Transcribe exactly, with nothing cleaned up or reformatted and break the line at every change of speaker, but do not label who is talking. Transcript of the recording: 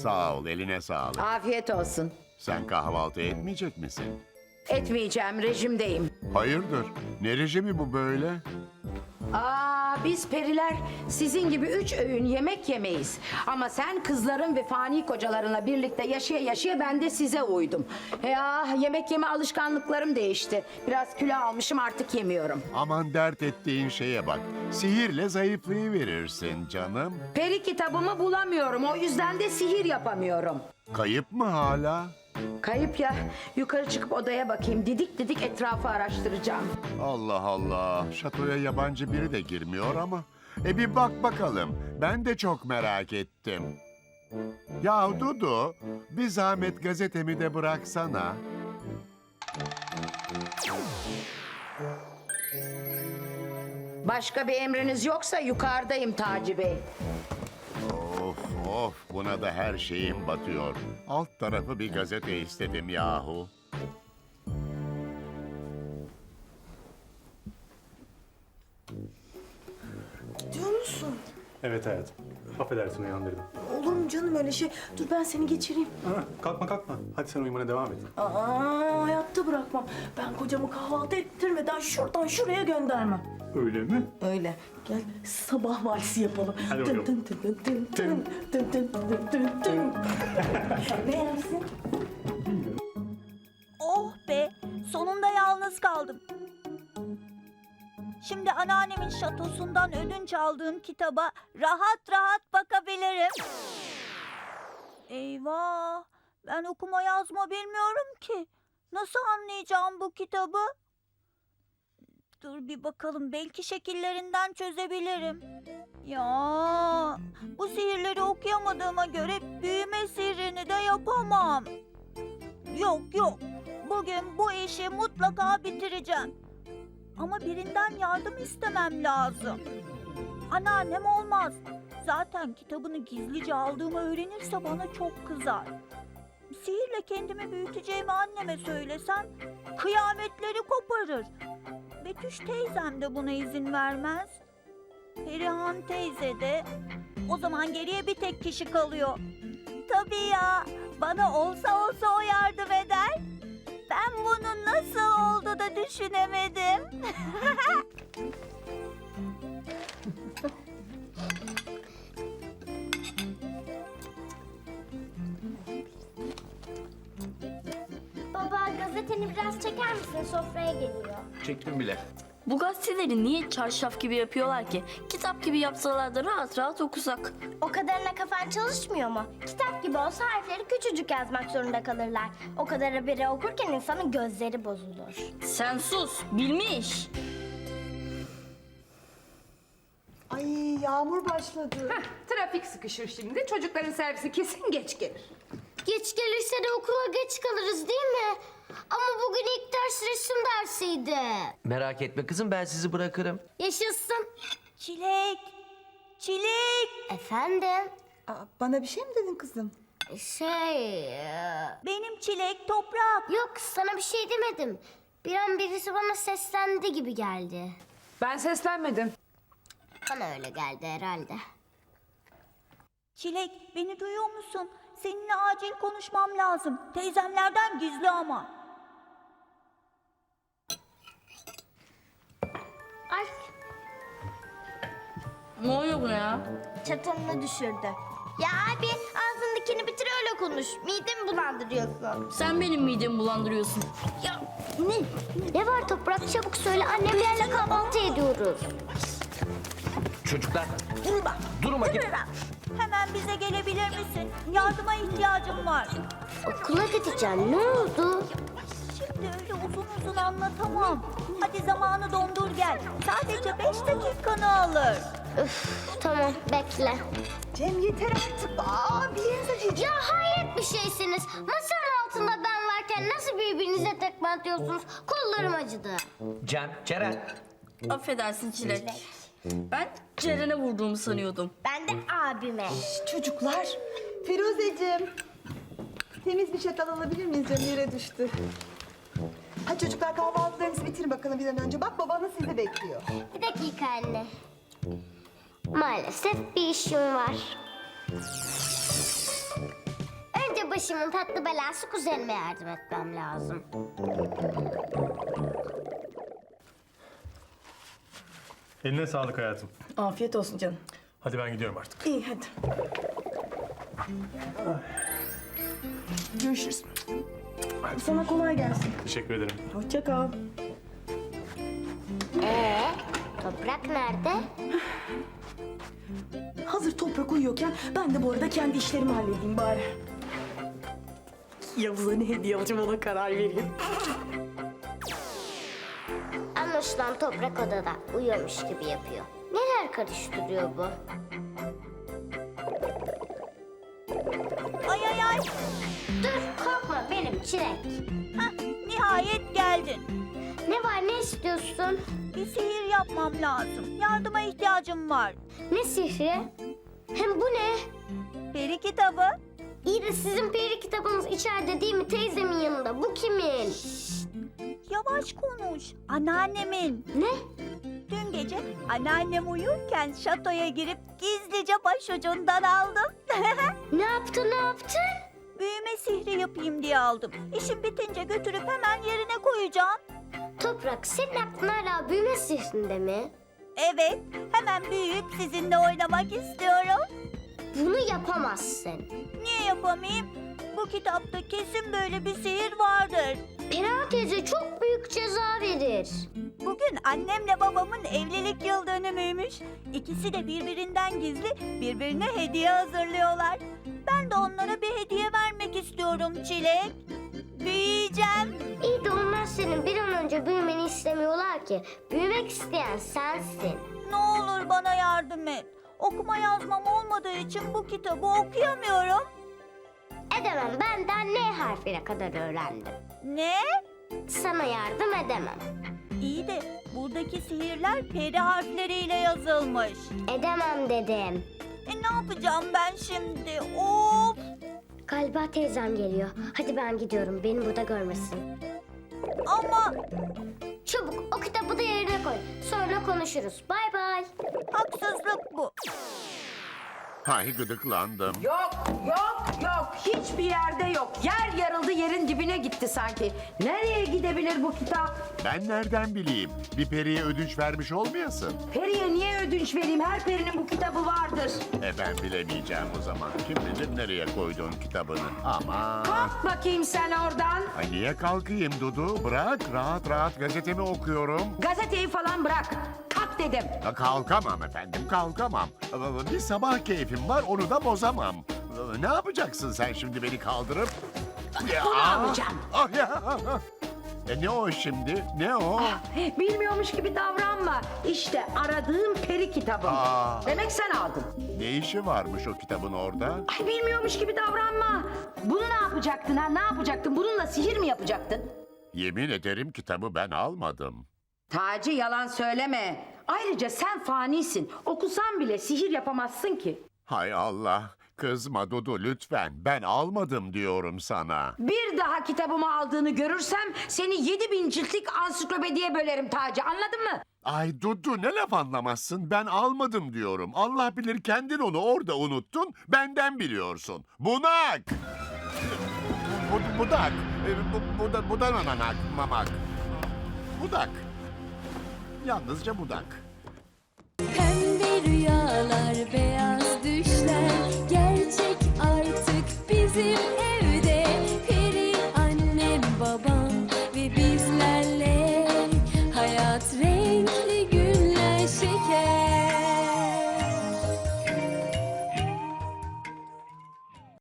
Sağ ol, eline sağlık.
Afiyet olsun.
Sen kahvaltı etmeyecek misin?
Etmeyeceğim, rejimdeyim.
Hayırdır? Ne rejimi bu böyle?
Aa, biz periler sizin gibi üç öğün yemek yemeyiz. Ama sen kızların ve fani kocalarınla birlikte yaşaya yaşaya ben de size uydum. Ya yemek yeme alışkanlıklarım değişti. Biraz kilo almışım, artık yemiyorum.
Aman dert ettiğin şeye bak. Sihirle zayıflayıverirsin canım.
Peri kitabımı bulamıyorum, o yüzden de sihir yapamıyorum.
Kayıp mı hala?
Kayıp ya, yukarı çıkıp odaya bakayım, didik didik etrafı araştıracağım.
Allah Allah. Şatoya yabancı biri de girmiyor ama. E bir bak bakalım. Ben de çok merak ettim. Ya Dudu, bir zahmet gazetemi de bıraksana.
Başka bir emriniz yoksa yukarıdayım Taci Bey.
Of of, buna da her şeyim batıyor. Alt tarafı bir gazete istedim yahu.
Diyor musun?
Evet hayatım. Affedersin uyandırdım.
Olur mu canım öyle şey? Dur ben seni geçireyim.
Ha, kalkma kalkma. Hadi sen uyumana devam et.
Aa, hayatta bırakmam. Ben kocamı kahvaltı ettirmeden şuradan şuraya göndermem.
Öyle mi?
Öyle. Gel sabah valsi yapalım.
Hadi bakalım.
Tın tın tın tın tın tın tın tın tın tın. Ne yersin?
Oh be, sonunda yalnız kaldım. Şimdi anneannemin şatosundan ödünç aldığım kitaba rahat rahat bakabilirim. Eyvah, ben okuma yazma bilmiyorum ki. Nasıl anlayacağım bu kitabı? Dur bir bakalım, belki şekillerinden çözebilirim. Ya, bu sihirleri okuyamadığıma göre büyüme sihrini de yapamam. Yok yok, bugün bu işi mutlaka bitireceğim. Ama birinden yardım istemem lazım. Anneannem olmaz. Zaten kitabını gizlice aldığımı öğrenirse bana çok kızar. Sihirle kendimi büyüteceğimi anneme söylesem kıyametleri koparır. Betüş teyzem de buna izin vermez. Perihan teyze de. O zaman geriye bir tek kişi kalıyor. Tabii ya, bana olsa olsa o yardım eder. Ben bunu nasıl oldu da düşünemedim?
Baba gazeteni biraz çeker misin? Sofraya geliyor.
Çektim bile.
Bu gazeteleri niye çarşaf gibi yapıyorlar ki? Kitap gibi yapsalar da rahat rahat okusak.
O kadarına kafan çalışmıyor mu? Kitap gibi olsa harfleri küçücük yazmak zorunda kalırlar. O kadar haberi okurken insanın gözleri bozulur.
Sen sus, bilmiş.
Ay yağmur başladı.
Trafik sıkışır şimdi. Çocukların servisi kesin geç gelir.
Geç gelirse de okula geç kalırız değil mi? Ama bugün ilk ders resim dersiydi.
Merak etme kızım, ben sizi bırakırım.
Yaşasın.
Çilek, çilek.
Efendim?
Aa, bana bir şey mi dedin kızım?
Şey... e,
Benim çilek, toprak.
Yok sana bir şey demedim. Bir an birisi bana seslendi gibi geldi.
Ben seslenmedim.
Bana öyle geldi herhalde.
Çilek, beni duyuyor musun? Seninle acil konuşmam lazım. Teyzemlerden gizli ama.
Ay
Ne oluyor buna ya?
çatalını düşürdü. Ya abi ağzındakini bitir öyle konuş. Midemi bulandırıyorsun.
Sen benim midemi bulandırıyorsun.
Ya ne? Ne var Toprak çabuk söyle annemlerle kahvaltı ediyoruz.
Çocuklar,
Durma.
durun bakayım.
Hemen bize gelebilir misin? Yardıma ihtiyacım var.
Okula gideceğim ne oldu?
Şimdi öyle uzun uzun anlatamam. Hadi zamanı dondur gel. Sadece beş dakikanı alır.
Üf tamam bekle.
Cem yeter artık. Aa bir yerinize çekil.
Ya hayret bir şeysiniz. Masanın altında ben varken nasıl birbirinize tekme atıyorsunuz? Kollarım acıdı.
Cem, Ceren.
Affedersin Çilek. Ben Ceren'e vurduğumu sanıyordum.
Ben de abime.
Çocuklar. Firuzeciğim. Temiz bir çatal alabilir miyiz canım? Yere düştü. Hadi çocuklar kahvaltılarınızı bitirin bakalım bir an önce. Bak babanız sizi bekliyor.
Bir dakika anne. Maalesef bir işim var. başımın tatlı belası kuzenime yardım etmem lazım.
Eline sağlık hayatım.
Afiyet olsun canım.
Hadi ben gidiyorum artık.
İyi hadi. Görüşürüz. Sana kolay gelsin.
Teşekkür ederim.
Hoşça kal.
Ee, Toprak nerede?
Hazır toprak uyuyorken ben de bu arada kendi işlerimi halledeyim bari. Yavuz'a ne hediye alacağım ona karar vereyim.
Anlaşılan Toprak odada uyuyormuş gibi yapıyor. Neler karıştırıyor bu?
Ay ay ay.
Dur korkma benim Çilek.
Hah, nihayet geldin.
Ne var ne istiyorsun?
Bir sihir yapmam lazım. Yardıma ihtiyacım var.
Ne sihri? Hem bu ne?
Peri kitabı.
İyi de sizin peri kitabınız içeride değil mi teyzemin yanında? Bu kimin?
Yavaş konuş. Anneannemin.
Ne?
Dün gece anneannem uyurken şatoya girip gizlice başucundan aldım.
Ne yaptı ne yaptı?
Büyüme sihri yapayım diye aldım. İşim bitince götürüp hemen yerine koyacağım.
Toprak senin aklın hala büyüme sihrinde mi?
Evet, hemen büyüyüp sizinle oynamak istiyorum.
Bunu yapamazsın.
Niye yapamayayım? Bu kitapta kesin böyle bir sihir vardır.
Pera teyze çok büyük ceza verir.
Bugün annemle babamın evlilik yıl dönümüymüş. İkisi de birbirinden gizli birbirine hediye hazırlıyorlar. Ben de onlara bir hediye vermek istiyorum Çilek. Büyüyeceğim.
İyi de onlar senin bir an önce büyümeni istemiyorlar ki. Büyümek isteyen sensin.
Ne olur bana yardım et. Okuma yazmam olmadığı için bu kitabı okuyamıyorum.
Edemem benden ne harfine kadar öğrendim.
Ne?
Sana yardım edemem.
İyi de buradaki sihirler peri harfleriyle yazılmış.
Edemem dedim.
E ne yapacağım ben şimdi? Of!
Galiba teyzem geliyor. Hadi ben gidiyorum. Beni burada görmesin.
Ama
Çabuk o kitabı da yerine koy. Sonra konuşuruz. Bay bay.
haksızlık bu.
Hay gıdıklandım.
Yok, yok, yok. Hiçbir yerde yok. Yer yarıldı, yerin dibine gitti sanki. Nereye gidebilir bu kitap?
Ben nereden bileyim? Bir periye ödünç vermiş olmayasın.
Periye niye ödünç vereyim? Her perinin bu kitabı vardır.
E ben bilemeyeceğim o zaman. Kim bilir nereye koydun kitabını. Aman.
Kalk bakayım sen oradan.
Ay niye kalkayım Dudu? Bırak rahat rahat gazetemi okuyorum.
Gazeteyi falan bırak. Kalk dedim.
Ya kalkamam efendim kalkamam. Bir sabah keyfim var onu da bozamam. Ne yapacaksın sen şimdi beni kaldırıp?
Bunu alacağım.
Ah ya. E ne o şimdi? Ne o?
Bilmiyormuş gibi davranma. İşte aradığım peri kitabım.
Aa.
Demek sen aldın.
Ne işi varmış o kitabın orada?
Ay bilmiyormuş gibi davranma. Bunu ne yapacaktın ha? Ne yapacaktın? Bununla sihir mi yapacaktın?
Yemin ederim kitabı ben almadım.
Taci yalan söyleme. Ayrıca sen fanisin. Okusan bile sihir yapamazsın ki.
Hay Allah. Kızma Dudu lütfen. Ben almadım diyorum sana.
Bir daha kitabımı aldığını görürsem seni yedi bin ciltlik ansiklopediye bölerim Taci. Anladın mı?
Ay Dudu ne laf anlamazsın. Ben almadım diyorum. Allah bilir kendin onu orada unuttun. Benden biliyorsun. Bunak! Bu, budak. E, Bu, buda, budananak, mamak. Budak. Yalnızca budak.